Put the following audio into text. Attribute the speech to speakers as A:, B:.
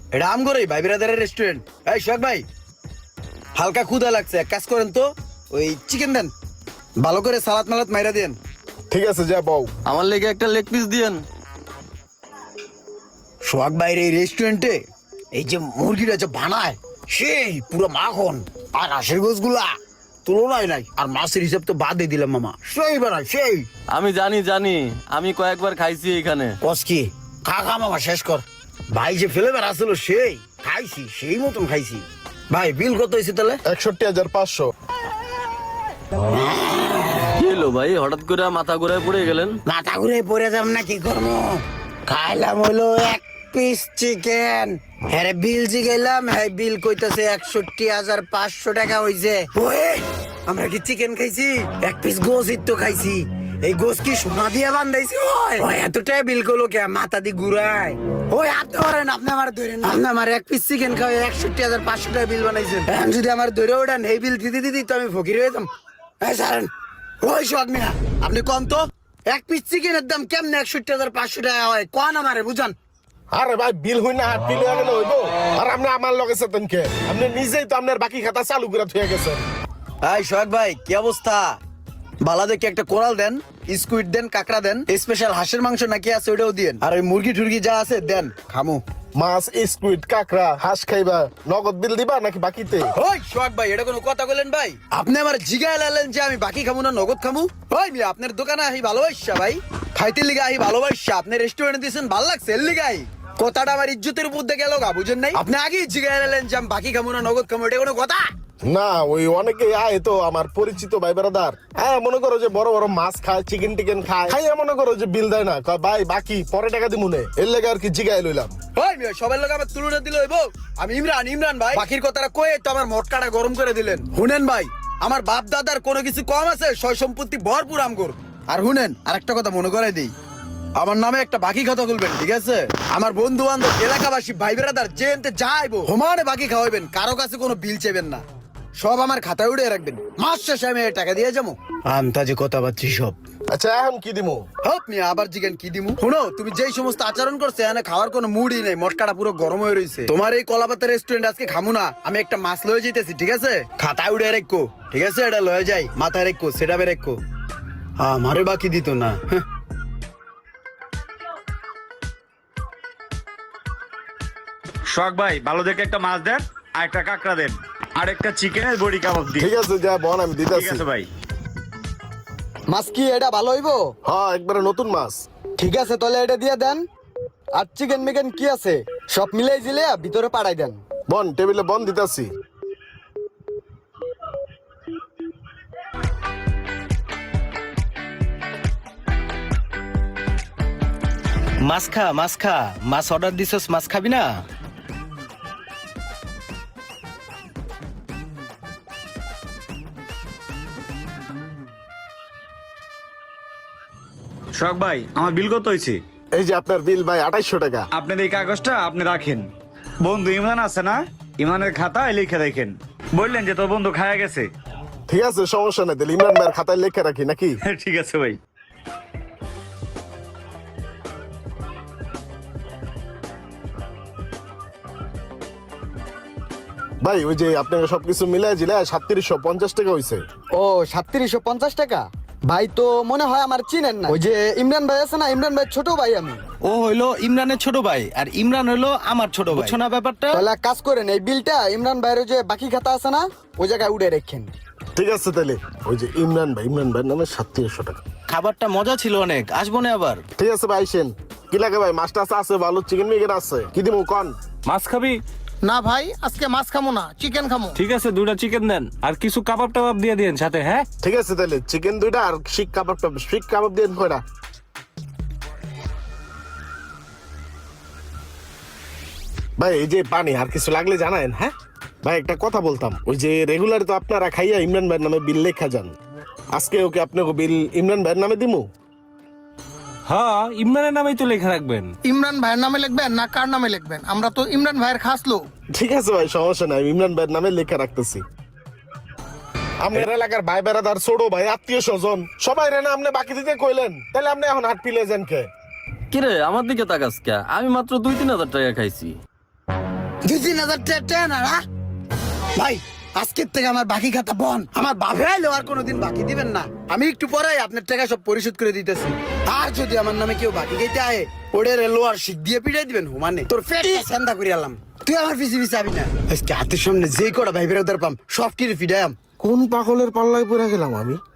A: এটা আমগোরই ভাই বিরাদারের রেস্টুরেন্ট। এই সোহাগ ভাই, হালকা ক্ষুধা লাগছে, এক কাজ করেন তো ওই চিকেন দেন, ভালো করে সালাদ মালাদ মাইরা দেন।
B: ঠিক আছে যা বউ।
C: আমার লেগে একটা লেগ পিস দিয়েন।
A: সোহাগ ভাইয়ের এই রেস্টুরেন্টে এই যে মুরগিটা যে বানায় সেই পুরো মাখন, আর হাঁসের গোছগুলা তুলনায় নাই, আর মাছের হিসাব তো বাদে দিলাম মামা, সেই বানায় সেই।
C: আমি জানি জানি, আমি কয়েকবার খাইছি এখানে।
A: কসকি খা খা মামা শেষ কর। ভাই যে ফ্লেভার আসলো সেই খাইছি, সেই মতন খাইছি। ভাই বিল কত হয়েছে তাহলে?
B: 61,500।
C: কি হলো ভাই, হঠাৎ করে মাথা ঘুরায় পড়ে গেলেন?
A: মাথা ঘুরে পড়ে যাব না, কি করবো? খাইলাম হলো এক পিস চিকেন, হ্যাঁ বিল জিগাইলাম, হ্যাঁ বিল কইতাছে 61,500 টাকা হইছে। ওই আমরা কি চিকেন খাইছি? এক পিস গোস তো খাইছি। এই গোস কি সোনা দিয়ে বান্ধাইছি? ওই এতটা বিল করলো কে? মাথা দি ঘুরায়। ওই আপনি ধরেন, আপনি আমার ধরেন, আপনি আমার এক পিস চিকেন খাওয়া 61,500 টাকা বিল বানাইছেন। এখন যদি আমার ধরে ওঠান এই বিল দিতে দিতে তো আমি ফকির হয়ে যেতাম। হ্যাঁ সারেন। ওই সোহাগ মিয়া, আপনি কম তো, এক পিস চিকেনের দাম কেমনে 61,500 টাকা হয়? কোন আমারে বুঝান।
B: আরে ভাই বিল হই না হাত বিল হয়ে গেলে হইবো? আর আপনি আমার লগে সেতেন কে? আপনি নিজেই তো আপনার বাকি খাতা চালু করে থুয়ে গেছেন।
A: এই সোহাগ ভাই কি অবস্থা? বালা দেখে একটা কোরাল দেন, স্কুইড দেন, কাঁকড়া দেন, স্পেশাল হাঁসের মাংস নাকি আছে ওটাও দিয়েন, আর ওই মুরগি টুরগি যা আছে দেন, খামু।
B: মাছ, স্কুইড, কাঁকড়া, হাঁস খাইবা, নগদ বিল দিবা নাকি বাকিতে?
A: ওই সোহাগ ভাই, এটা কোনো কথা বলেন ভাই? আপনি আমার জিগায় লালেন যে আমি বাকি খামু না নগদ খামু? ওই মিয়া, আপনার দোকানে আহি ভালোবাসা ভাই, খাইতে লিগা আহি ভালোবাসা, আপনি রেস্টুরেন্টে দিয়েছেন ভাল লাগছে এর লিগাই। কথাটা আমার ইজ্জতের উপর দিয়ে গেল গা, বুঝেন নাই? আপনি আগেই জিগায় লালেন যে আমি বাকি খামু না নগদ খামু, এটা কোনো কথা?
B: না ওই অনেকে আয় তো আমার পরিচিত ভাই বেড়াদার, হ্যাঁ মনে করো যে বড় বড় মাছ খায়, চিকেন টিকেন খায়, খাইয়া মনে করো যে বিল দেয় না, কয় ভাই বাকি পরে টাকা দিমুনে, এর লেগে আর কি জিগায় লইলাম।
A: ওই মিয়া, সবার লোক আমার তুলনা দিল হইব? আমি ইমরান ভাই, বাকির কথাটা কয়ে তো আমার মটকাটা গরম করে দিলেন। শুনেন ভাই, আমার বাপ দাদার কোনো কিছু কম আছে? সয় সম্পত্তি ভরপুর আমগর। আর শুনেন, আরেকটা কথা মনে করাই দিই, আমার নামে একটা বাকি খাতা খুলবেন, ঠিক আছে? আমার বন্ধু বান্ধব, এলাকাবাসী, ভাই বেড়াদার যে এনতে যাইবো হোমানে বাকি খাওয়াবেন, কারো কাছে কোনো বিল চেবেন না, সব আমার খাতায় উড়ে রাখবেন। মাস শেষে আমি এই টাকা দিয়ে যাবো। আন্তাজে কথা পাচ্ছি সব।
B: আচ্ছা এখন কি দিমু?
A: হপ মিয়া, আবার জিজ্ঞেন কি দিমু? শুনো, তুমি যেই সমস্ত আচরণ করছে এখানে খাওয়ার কোনো মুডই নেই, মটকাটা পুরো গরম হয়ে রয়েছে। তোমার এই কলাপাতা রেস্টুরেন্ট আজকে খামু না, আমি একটা মাছ লয়ে যেতেছি, ঠিক আছে? খাতায় উড়ে রেখো, ঠিক আছে? এটা লয়ে যাই, মাথায় রেখো, সেটা রেখো, আমারে বাকি দিত না।
D: শখ ভাই, ভালো দেখে একটা মাছ দেন, আর একটা কাঁকড়া দেন, আর একটা চিকেনের বড়ি কাবাব দিন।
B: ঠিক আছে যা বল, আমি
D: ঠিক
B: দিতেছি।
D: আছে ভাই।
E: মাছ কি এটা ভালো হইবো?
B: হ্যাঁ একবারে নতুন মাছ।
E: ঠিক আছে তাহলে এটা দিয়ে দেন। আর চিকেন মিকেন কি আছে সব মিলাই জিলে ভিতরে পাঠাই দেন।
B: বন টেবিলে বন দিতেছি।
F: মাছ খা, মাছ খা, মাছ অর্ডার দিছস, মাছ খাবি না?
D: শখ ভাই, আমার বিল কত হয়েছে?
B: এই যে আপনার বিল ভাই 2800 টাকা।
D: আপনার এই কাগজটা আপনি রাখেন। বন্ধু ইমরান আছে না, ইমানের খাতায় লিখে দেখেন। বললেন যে তোর বন্ধু খায়া গেছে।
B: ঠিক আছে সমস্যা নাই, তাহলে ইমরান ভাইয়ের খাতায় লেখা রাখি নাকি?
D: ঠিক আছে ভাই।
B: ভাই ওই যে আপনাকে সবকিছু মিলাই জিলে 3750 টাকা হইছে।
E: ও 3750 টাকা? ভাই তো মনে হয় আমার চিনেন না। ওই যে ইমরান ভাই আছে না, ইমরান ভাই ছোট ভাই আমি।
F: ও হইলো ইমরানের ছোট ভাই, আর ইমরান হইলো আমার ছোট ভাই। বুঝছো না ব্যাপারটা?
E: তাহলে এক কাজ করেন, এই বিলটা ইমরান ভাইয়ের যে বাকি খাতা আছে না ওই জায়গায় উড়ে রেখেন।
B: ঠিক আছে তাহলে ওই যে ইমরান ভাইয়ের নামে 3700 টাকা।
F: খাবারটা মজা ছিল অনেক, আসবো না আবার?
B: ঠিক আছে ভাই আইসেন। কি লাগে ভাই? মাছ টাছ আছে, ভালো চিকেন মিকেন আছে, কি দিমু কোন?
G: মাছ খাবি?
H: না ভাই, আজকে মাছ খামো না, চিকেন খামো।
G: ঠিক আছে, 2টা চিকেন দেন, আর কিছু কাবাব টাবাব দিয়ে দিন সাথে। হ্যাঁ
B: ঠিক আছে তাহলে চিকেন 2টা আর শিক কাবাব দিয়ে কয়টা? ভাই এই যে পানি আর কিছু লাগলে জানায়েন। হ্যাঁ ভাই একটা কথা বলতাম, ওই যে রেগুলার তো আপনারা খাইয়া ইমরান ভাইয়ের নামে বিল লেখা যান, আজকে ওকে আপনাকে বিল ইমরান ভাইয়ের নামে দিমু?
G: হ্যাঁ, ইমরানের নামেই তো লেখা রাখবেন।
H: ইমরান ভাইয়ের নামে লিখবেন না কার নামে লিখবেন? আমরা তো ইমরান ভাইয়ের খাস লোক।
B: ঠিক আছে ভাই সমস্যা নাই, ইমরান ভাইয়ের নামে লেখা রাখতেছি। আমার এলাকার ভাই বেড়াদার, ছোট ভাই, আত্মীয় স্বজন সবাই রেনা আপনি বাকি দিতে কইলেন, তাহলে আপনি এখন হাট পিলে যান কে?
C: কিরে আমার দিকে তাকাস কে? আমি মাত্র 2-3 হাজার টাকা খাইছি।
A: 2-3 হাজার টাকা না না ভাই, আজকের থেকে আমার বাকি খাতা বন। আমার বাপে আইলেও আর কোনোদিন বাকি দিবেন না। আমি একটু পরে আপনার টাকা সব পরিশোধ করে দিতেছি। আর যদি আমার নামে কেউ বাকি খাইতে আয়, ওদের লোয়ার শিখ দিয়ে পিটাই দিবেন হুমানে। তোর পেটটা ঠান্ডা করে আলাম। তুই আমার পিছিয়ে পিছিয়ে আবি না। আজকে হাতের সামনে যেই কটা ভাই বেরোদার পাম সব কিনে ফিডায়াম।
B: কোন পাগলের পাল্লায় পড়ে গেলাম আমি?